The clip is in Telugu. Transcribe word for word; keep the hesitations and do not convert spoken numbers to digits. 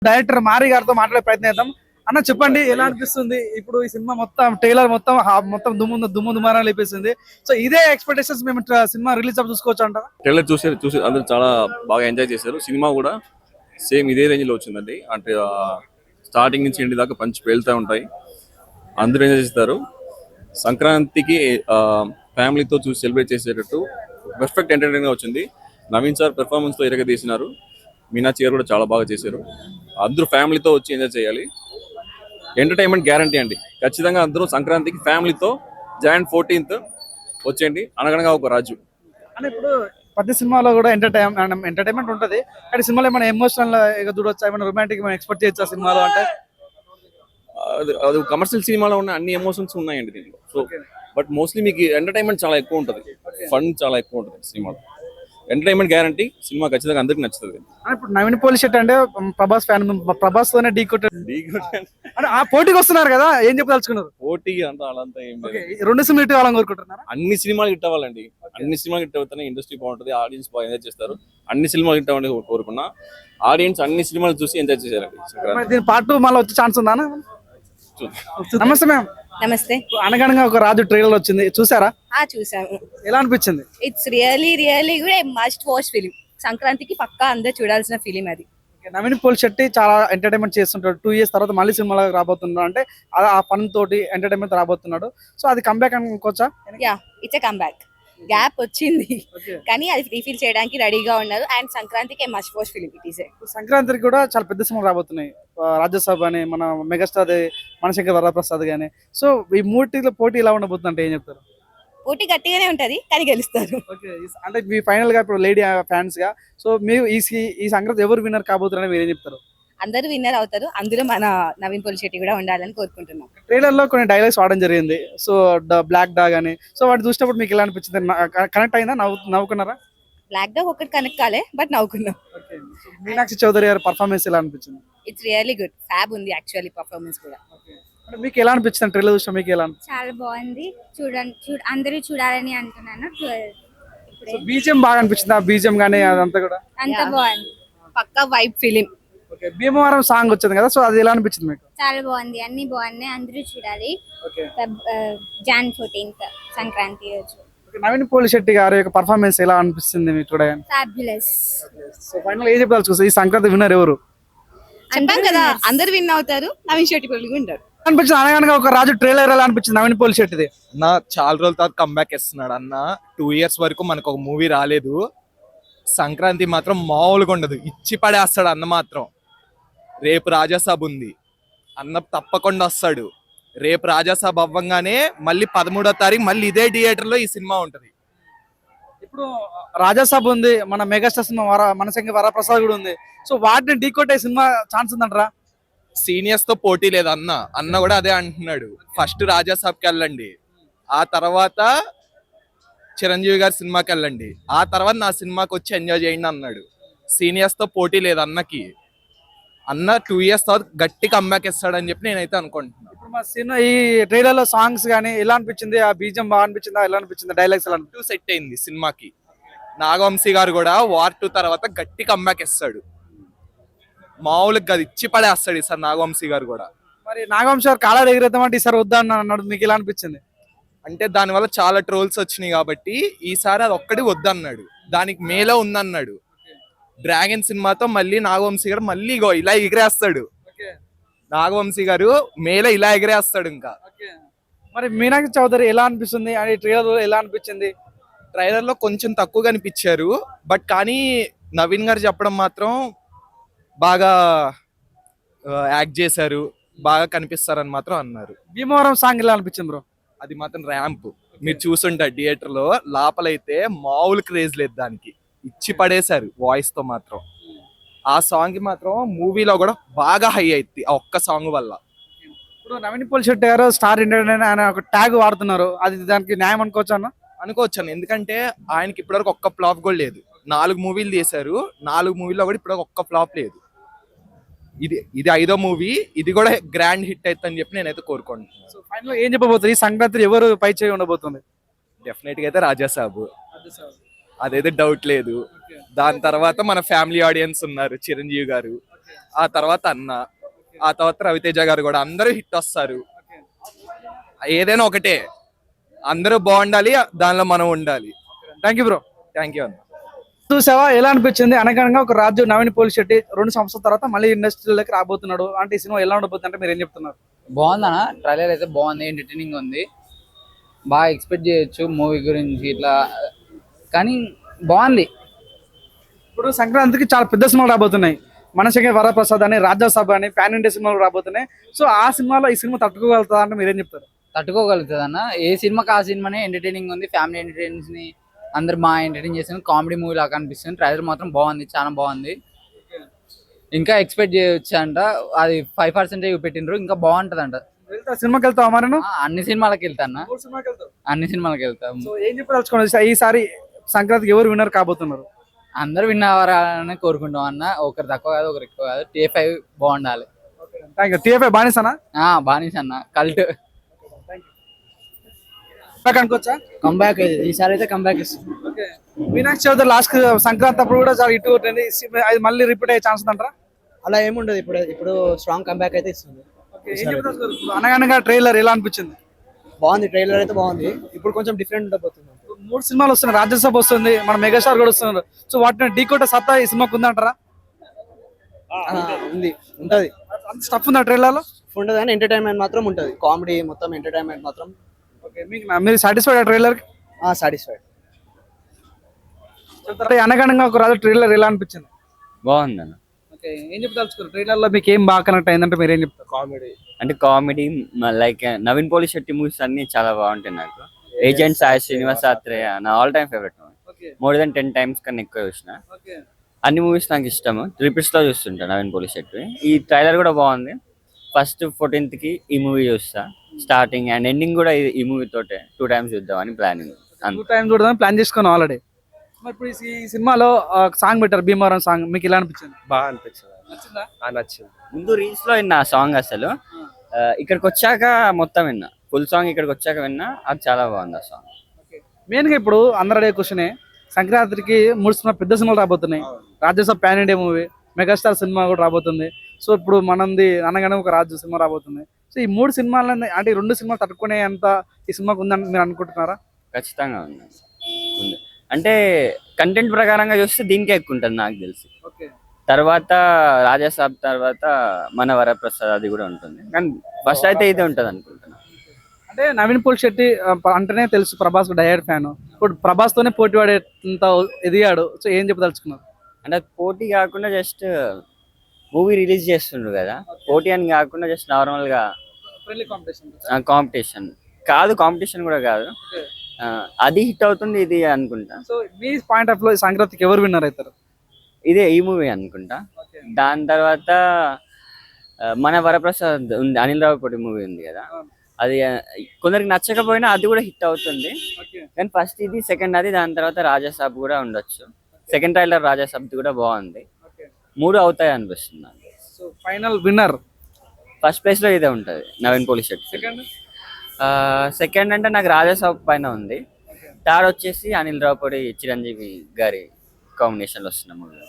డైరెక్టర్ మారి గారితో మాట్లాడే ప్రయత్నం చేద్దాం. అన్న చెప్పండి, ఎలా అనిపిస్తుంది ఇప్పుడు ఈ సినిమా మొత్తం ట్రైలర్ మొత్తం హా- మొత్తం దుమ్ము దుమ్ము దుమారా లేపేసింది. సో ఇదే ఎక్స్పెక్టేషన్స్ మేము ట్ర- సినిమా రిలీజ్ అప్పుడు చూసుకోవచ్చు అంటారా? ట్రైలర్ చూసి చూసి అందరూ చాలా బాగా ఎంజాయ్ చేశారు. సినిమా కూడా సేమ్ ఇదే రేంజ్ లో వచ్చిందండి. అంటే స్టార్టింగ్ నుంచి ఎండి దాకా పంచి పేలుతూ ఉంటాయి. అందరూ ఎంజాయ్ చేస్తారు. సంక్రాంతికి ఫ్యామిలీతో చూసి సెలబ్రేట్ చేసేటట్టు పర్ఫెక్ట్ ఎంటర్టైన్ గా వచ్చింది. నవీన్ సార్ పెర్ఫార్మెన్స్ తో ఇరగ తీసినారు. మీనాక్షి గారు కూడా చాలా బాగా చేశారు. అందరూ ఫ్యామిలీతో వచ్చి ఎంజాయ్ చేయాలి. ఎంటర్టైన్మెంట్ గ్యారంటీ అండి. ఖచ్చితంగా అందరూ సంక్రాంతికి ఫ్యామిలీతో జాన్ ఫోర్టీన్త్ వచ్చేయండి. అనగనగా ఒక రాజు. అంటే ఇప్పుడు ప్రతి సినిమాలో కూడా ఎంటర్టైన్ ఎంటర్టైన్మెంట్ ఉంటుంది, కానీ సినిమాలో ఏమైనా ఎమోషనల్ చూడొచ్చా, ఏమైనా రొమాంటిక్ ఎక్స్పెక్ట్ చేయొచ్చా సినిమాలో? అంటే అది అది కమర్షియల్ సినిమాలో ఉన్న అన్ని ఎమోషన్స్ ఉన్నాయండి దీంట్లో. సో బట్ మోస్ట్లీ మీకు ఎంటర్టైన్మెంట్ చాలా ఎక్కువ ఉంటుంది, ఫన్ చాలా ఎక్కువ ఉంటుంది సినిమాలో. Entertainment guarantee. సినిమా ఖచ్చితంగా అందరికి నచ్చుతుంది. అంటే ఇప్పుడు నవీన్ పోలి శెట్టి అంటే ప్రభాస్ ఫ్యాన్, ప్రభాస్ తోనే ఢీ కొట్టారు అంటే ఆ పోటీకి వస్తున్నారు కదా, ఏం చెప్పదలుచుకున్నారు? పోటీ అంతా అలాంతా ఏం లేదు. Okay, ఈ రెండు సినిమాలు హిట్ అవ్వాలని కోరుకుంటున్నారా? అన్ని సినిమాలు హిట్ అవ్వాలండి. అన్ని సినిమాలు హిట్ అవుతానే ఇండస్ట్రీ బాగుంటుంది, ఆడియన్స్ బాగా ఎంజాయ్ చేస్తారు. అన్ని సినిమాలు హిట్ అవ్వాలని కోరుకున్నా. ఆడియన్స్ అన్ని సినిమాలు చూసి ఎంజాయ్ చేశారండి. మరి దీని పార్ట్ టూ మళ్ళీ వచ్చే ఛాన్స్ ఉందా? నమస్తే మ్యామ్. నమస్తే. అనగనగా ఒక రాజు ట్రైలర్ వచ్చింది, చూసారా? ఆ చూసాము. ఎలా అనిపించింది? ఇట్స్ రియలీ రియలీ కూడా మస్ట్ వాచ్ ఫిలిం. సంక్రాంతికి పక్కా అందరూ చూడాల్సిన ఫిలిం అది. నవీన్ పోల్ శెట్టి చాలా ఎంటర్టైన్మెంట్ చేస్తుంటాడు. టూ ఇయర్స్ తర్వాత మళ్ళీ సినిమాలో రాబోతున్నాడు అంటే ఆ ఫన్ తోటి ఎంటర్టైన్మెంట్ రాబోతున్నాడు. సో అది కంబ్యాక్ అనుకోవచ్చా? Yeah, it's a comeback. Gap వచ్చింది కానీ అది రీఫిల్ చేయడానికి రెడీగా ఉన్నారు. అండ్ సంక్రాంతికి must watch film it is. సంక్రాంతికి కూడా చాలా పెద్ద సినిమాలు రాబోతున్నాయి. రాజ్యసభ అని, మన మెగాస్టార్ మనశంకర్ వరప్రసాద్ గానీ. సో ఈ మూటిలో పోటీ ఎలా ఉండబోతుంది అంటే ఏం చెప్తారు? పోటీ గట్టిగానే ఉంటది కానీ గెలుస్తారు. అంటే మీ ఫైనల్ గా ఇప్పుడు లేడీ ఫ్యాన్స్ గా, సో మీరు ఈ ఈ సంక్రాంతి ఎవరు విన్నర్ కాబోతున్నారని మీరు ఏం చెప్తారు? అందరూ విన్నర్ అవుతారు. అందులో మన నవీన్ పోలి శెట్టి కూడా ఉండాలని కోరుకుంటున్నాం. ట్రైలర్ లో కొన్ని డైలాగ్స్ వాడడం జరిగింది. సో బ్లాక్ డాగ్ అని, సో వాటి చూసినప్పుడు మీకు ఎలా అనిపించింది? కనెక్ట్ అయిందా? నవ్వు నవ్వుకున్నారా? బ్లాక్ డాగ్ ఒకటి కనెక్ట్ కాలే, బట్ నవ్వుకున్నాం. మీనాక్షి చౌదరి గారి పర్ఫార్మెన్స్ ఎలా అనిపించింది? It's really good. ఫ్యాబ్ ఉంది యాక్చువల్లీ పర్ఫార్మెన్స్ కూడా. మీకు ఎలా అనిపించింది ట్రైలర్ చూసిన? మీకు ఎలా అనిపించింది? చాలా బాగుంది. చూడండి, చూడ అందరూ చూడాలని అంటున్నాను. బీజిఎం బాగా అనిపించింది, ఆ బీజిఎం గానీ అదంతా కూడా అంత బాగుంది. పక్కా వైబ్ ఫిలిం. భీమవరం సాంగ్ వచ్చింది కదా, సో అది ఎలా అనిపించింది మీకు? చాలా బాగుంది, అన్ని బాగున్నాయి, అందరూ చూడాలి. జాన్ ఫోర్టీన్త్ సంక్రాంతి రోజు. నవీన్ పోలి శెట్టి గారి యొక్క పర్ఫార్మెన్స్ ఎలా అనిపిస్తుంది మీకు చూడగానే? ఫ్యాబులస్. సో ఫైనల్ ఏం చెప్పాలి చూస్తే ఈ సంక్రాంతి విన్నర్ ఎవరు? చెప్పాం కదా, అందరు విన్ అవుతారు. నవీన్ శెట్టి పోలి ఉంటారు అనిపించింది. అనగనగా ఒక రాజు ట్రైలర్ ఎలా అనిపించింది నవీన్ పోలి శెట్టిది? నా చాలా రోజుల తర్వాత కంబ్యాక్ ఇస్తున్నాడు అన్న. టూ ఇయర్స్ వరకు మనకు ఒక మూవీ రాలేదు. సంక్రాంతి మాత్రం మామూలుగా ఉండదు, ఇచ్చి పడేస్తాడు అన్న మాత్రం. రేపు రాజాసాబ్ ఉంది, అన్న తప్పకుండా వస్తాడు. రేపు రాజాసాబ్ అవ్వంగానే మళ్ళీ పదమూడో తారీఖు మళ్ళీ ఇదే థియేటర్ లో ఈ సినిమా ఉంటది. ఇప్పుడు రాజాసాబ్ ఉంది, మన మెగాస్టార్ సినిమా వర మనశంకర్ వరప్రసాద్ కూడా ఉంది. సో వాటిని ఢీకొట్టే సినిమా ఛాన్స్ ఉందంటారా? సీనియర్స్ తో పోటీ లేదు అన్న. అన్న కూడా అదే అంటున్నాడు, ఫస్ట్ రాజాసాబ్కి వెళ్ళండి, ఆ తర్వాత చిరంజీవి గారి సినిమాకి వెళ్ళండి, ఆ తర్వాత నా సినిమాకి వచ్చి ఎంజాయ్ చేయండి అన్నాడు. సీనియర్స్ తో పోటీ లేదు అన్నకి. అన్న టూ ఇయర్స్ తర్వాత గట్టి కంబ్యాక్ ఇస్తాడని చెప్పి నేనైతే అనుకుంటున్నాను. ఇప్పుడు మా సినిమా ఈ ట్రైలర్ లో సాంగ్స్ గానీ ఎలా అనిపించింది? ఆ బీజం బాగా అనిపించిందా? ఎలా అనిపించింది? డైలాగ్స్ ఎలా టూ సెట్ అయింది సినిమాకి. నాగవంశీ గారు కూడా వార్ టూ తర్వాత గట్టి కంబ్యాక్ ఇస్తాడు. మామూలుగా గది ఇచ్చి పడేస్తాడు ఈసారి నాగవంశీ గారు కూడా. మరి నాగవంశీ గారు కాలాలు ఎగిరేద్దామంటే ఈసారి వద్దా అన్నాడు, మీకు ఎలా అనిపించింది? అంటే దానివల్ల చాలా ట్రోల్స్ వచ్చినాయి కాబట్టి ఈసారి అది ఒక్కటి వద్దన్నాడు. దానికి మేలో ఉందన్నాడు. డ్రాగన్ సినిమాతో మళ్ళీ నాగవంశీ గారు మళ్ళీ ఇలా ఎగిరేస్తాడు. నాగవంశీ గారు మేలో ఇలా ఎగిరేస్తాడు. ఇంకా మరి మీనాక్షి చౌదరి ఎలా అనిపిస్తుంది? అని ట్రైలర్ ఎలా అనిపించింది? ట్రైలర్ లో కొంచెం తక్కువగా అనిపించారు, బట్ కానీ నవీన్ గారు చెప్పడం మాత్రం బాగా యాక్ట్ చేశారు, బాగా కనిపిస్తారని మాత్రం అన్నారు. భీమవరం సాంగ్ ఎలా అనిపించింది బ్రో? అది మాత్రం ర్యాంప్ మీరు చూసుంటారు థియేటర్ లో. లోపలైతే మామూలు క్రేజ్ లేదు, దానికి ఇచ్చి పడేశారు వాయిస్ తో మాత్రం. ఆ సాంగ్ కి మాత్రం మూవీలో కూడా బాగా హై అయింది ఆ ఒక్క సాంగ్ వల్ల. ఇప్పుడు నవీన్ పోలి శెట్టి గారు స్టార్ ఇండియన్ అనే ఒక ట్యాగ్ వాడుతున్నారు, అది దానికి న్యాయం అనుకోవచ్చు అన్న? అనుకోవచ్చాను, ఎందుకంటే ఆయనకి ఇప్పటివరకు ఒక్క ఫ్లాప్ కూడా లేదు. నాలుగు మూవీలు చేశారు, నాలుగు మూవీలో కూడా ఇప్పటివరకు ఒక్క ఫ్లాప్ లేదు. ఇది ఇది ఐదో మూవీ, ఇది కూడా గ్రాండ్ హిట్ అవుతుందని చెప్పి నేనైతే కోరుకుంటున్నాను. సో ఫైనల్ ఏం చెప్పబోతుంది? ఈ సంక్రాంతి ఎవరు పై చేయి ఉండబోతుంది? డెఫినెట్ గా అయితే రాజాసాబ్, అదైతే డౌట్ లేదు. దాని తర్వాత మన ఫ్యామిలీ ఆడియన్స్ ఉన్నారు, చిరంజీవి గారు, ఆ తర్వాత అన్న, ఆ తర్వాత రవితేజ గారు కూడా అందరూ హిట్ వస్తారు. ఏదైనా ఒకటే, అందరూ బాగుండాలి, దానిలో మనం ఉండాలి. Thank you bro. Thank you అన్న. చూసావా ఎలా అనిపించింది? అనగనగా ఒక రాజు నవీన్ పోలి శెట్టి రెండు సంవత్సరాల తర్వాత మళ్ళీ ఇండస్ట్రీలోకి రాబోతున్నాడు అంటే ఈ సినిమా ఎలా ఉండబోతుంది అంటే మీరు ఏం చెప్తున్నారు? బాగుందన్న, ట్రైలర్ అయితే బాగుంది, ఎంటర్టైనింగ్ ఉంది, బాగా ఎక్స్పెక్ట్ చేయొచ్చు మూవీ గురించి ఇట్లా, కానీ బాగుంది. ఇప్పుడు సంక్రాంతికి చాలా పెద్ద సినిమాలు రాబోతున్నాయి. మనశంకర్ వరప్రసాద్ అని, రాజ్యసభ అని, పాన్ ఇండియా సినిమాలు రాబోతున్నాయి. సో ఆ సినిమాలో ఈ సినిమా తట్టుకోగలుగుతుందా అంటే మీరేం చెప్తారు? తట్టుకోగలుగుతుంది అన్న, ఏ సినిమాకి ఆ సినిమానే ఎంటర్టైనింగ్ ఉంది, ఫ్యామిలీ ఎంటర్టైన్స్ ని అందరు బాగా ఎంటర్టైన్ చేస్తుంది, కామెడీ మూవీ లాగా అనిపిస్తుంది. ట్రైలర్ మాత్రం బాగుంది, చాలా బాగుంది, ఇంకా ఎక్స్పెక్ట్ చేయొచ్చు అంట. అది ఫైవ్ పర్సెంట్ పెట్టిండ్రు, ఇంకా బాగుంటది అంట. వెళ్తా సినిమాకి వెళ్తావా మరి? అన్ని సినిమాలకి వెళ్తా అన్న, అన్ని సినిమాలకి వెళ్తాం. సో ఏం చెప్పదలుచుకోండి ఈసారి సంక్రాంతికి ఎవరు విన్నర్ కాబోతున్నారు? అందరు విన్ అవ్వాలని కోరుకుంటాం అన్న, ఒకరు తక్కువ కాదు ఒకరు ఎక్కువ కాదు, టీ ఫైవ్ బాగుండాలి. Thank you. టీఎఫ్ఐ బానిసనా? బానిస అన్న, కల్ట్. అనుకోవచ్చా? కంబ్యాక్ ఈసారి అయితే కంబ్యాక్ ఇస్తుంది. ఓకే. వినాయక చవితి లాస్ట్ సంక్రాంతి అప్పుడు కూడా చాలా ఇటు కొట్టింది, అది మళ్ళీ రిపీట్ అయ్యే ఛాన్స్ అంటారా? అలా ఏముండదు, ఇప్పుడు ఇప్పుడు స్ట్రాంగ్ కంబ్యాక్ అయితే ఇస్తుంది. అనగనగా ట్రైలర్ ఎలా అనిపించింది? బాగుంది, ట్రైలర్ అయితే బాగుంది. ఇప్పుడు కొంచెం డిఫరెంట్ ఉండబోతుంది. మూడు సినిమాలు వస్తున్నాయి, రాజ్యసభ వస్తుంది, మన మెగాస్టార్ కూడా వస్తున్నారు. సో వాటిని ఢీ కొట్టే సత్తా ఈ సినిమాకు ఉందంటారా? ఉంది, ఉంటది. అంత స్టఫ్ ఉందా ట్రైలర్ లో? ఉండదు కానీ ఎంటర్టైన్మెంట్ మాత్రం ఉంటది, కామెడీ మొత్తం ఎంటర్టైన్మెంట్ మాత్రం. ఓకే, మీకు మీరు సాటిస్ఫైడ్ ఆ ట్రైలర్ కి? సాటిస్ఫైడ్. అనగనగా ఒక రాజు ట్రైలర్ ఎలా అనిపించింది? బాగుందన్న. ఓకే, ఏం చెప్తారు ట్రైలర్ లో మీకు ఏం బాగా కనెక్ట్ అయిందంటే మీరు ఏం చెప్తారు? కామెడీ అంటే కామెడీ లైక్ నవీన్ పోలి శెట్టి మూవీస్ అన్ని చాలా బాగుంటాయి నాకు. ఏజెంట్ సాయి శ్రీనివాస్ ఆత్రేయ నా all time favourite movie, more than ten times కన్నా ఎక్కువ చూసిన. అన్ని మూవీస్ నాకు ఇష్టము, రిపీట్స్ లో చూస్తుంటా నవీన్ పోలి శెట్టి. ఈ ట్రైలర్ కూడా బాగుంది. ఫస్ట్ ఫోర్టీన్త్ కి ఈ మూవీ చూస్తా, స్టార్టింగ్ అండ్ ఎండింగ్ కూడా ఈ- ఈ మూవీ తోటే టూ టైమ్స్ చూద్దామని ప్లానింగ్. టూ టైమ్స్ చూడదాం ప్లాన్ చేసుకున్నాం ఆల్రెడీ. మరి ఇప్పుడు ఈ సినిమాలో సాంగ్ పెట్టారు, భీమవరం సాంగ్, మీకు ఎలా అనిపించింది? బాగా అనిపించింది, నచ్చిందా? నచ్చింది. ముందు రీల్స్ లో విన్నా సాంగ్, అసలు ఆ, ఇక్కడికి వచ్చాక మొత్తం విన్నా, ఫుల్ సాంగ్ ఇక్కడికి వచ్చాక విన్నా, అది చాలా బాగుంది ఆ సాంగ్. మెయిన్ గా ఇప్పుడు అందరు అడిగే క్వశ్చనే, సంక్రాంతికి మూడు సినిమా పెద్ద సినిమాలు రాబోతున్నాయి. Rajyasabha pan India movie, megastar సినిమా కూడా రాబోతుంది. సో ఇప్పుడు మనది అనగానే ఒక రాజు సినిమా రాబోతుంది. సో ఈ మూడు సినిమాలని అంటే ఈ రెండు సినిమాలు తట్టుకునే అంత ఈ సినిమాకు ఉందని మీరు అనుకుంటున్నారా? ఖచ్చితంగా ఉంది ఉంది అంటే కంటెంట్ ప్రకారంగా చూస్తే దీనికే ఎక్కువ ఉంటుంది నాకు తెలిసి. ఓకే. తర్వాత రాజాసాబ్, తర్వాత మన వరప్రసాద్ అది కూడా ఉంటుంది, కానీ ఫస్ట్ అయితే ఇదే ఉంటుంది అనుకుంటున్నా. అంటే నవీన్ పోల్ శెట్టి ఆ, ప- అంటేనే తెలుసు ప్రభాస్ డయర్ ఫ్యాన్. ఇప్పుడు ప్రభాస్ తోనే పోటీ పడేంత ఎదిగాడు. సో ఏం చెప్పదలుచుకున్నారు? అంటే అది పోటీ కాకుండా జస్ట్ మూవీ రిలీజ్ చేస్తుండ్రు కదా, పోటీ అని కాకుండా జస్ట్ నార్మల్ గా ఫ్రెండ్లీ కాంపిటీషన్. కాంపిటీషన్ కాదు, కాంపిటీషన్ కూడా కాదు, ఆ, అది హిట్ అవుతుంది ఇది అనుకుంటా. సో మీ పాయింట్ ఆఫ్ లో సంక్రాంతికి ఎవరు విన్నర్ అవుతారు? ఇదే ఈ మూవీ అనుకుంటా. దాని తర్వాత ఆ, మన వరప్రసాద్ ఉంది, అనిల్ రావుపూడి మూవీ ఉంది కదా, అది ఆ, కొందరికి నచ్చకపోయినా అది కూడా హిట్ అవుతుంది. కానీ ఫస్ట్ ఇది, సెకండ్ అది, దాని తర్వాత రాజాసాబ్ కూడా ఉండొచ్చు. సెకండ్ ట్రైలర్ రాజాసాబ్ కూడా బాగుంది. మూడు అవుతాయి అనిపిస్తుంది నాకు. So final winner first place లో ఇదే ఉంటది, నవీన్ పోలి శెట్టి. సెకండ్ సెకండ్ అంటే నాకు రాజాసాబ్ పైన ఉంది. థర్డ్ వచ్చేసి అనిల్ రావుపూడి చిరంజీవి గారి కాంబినేషన్ లో వస్తున్న మూవీ.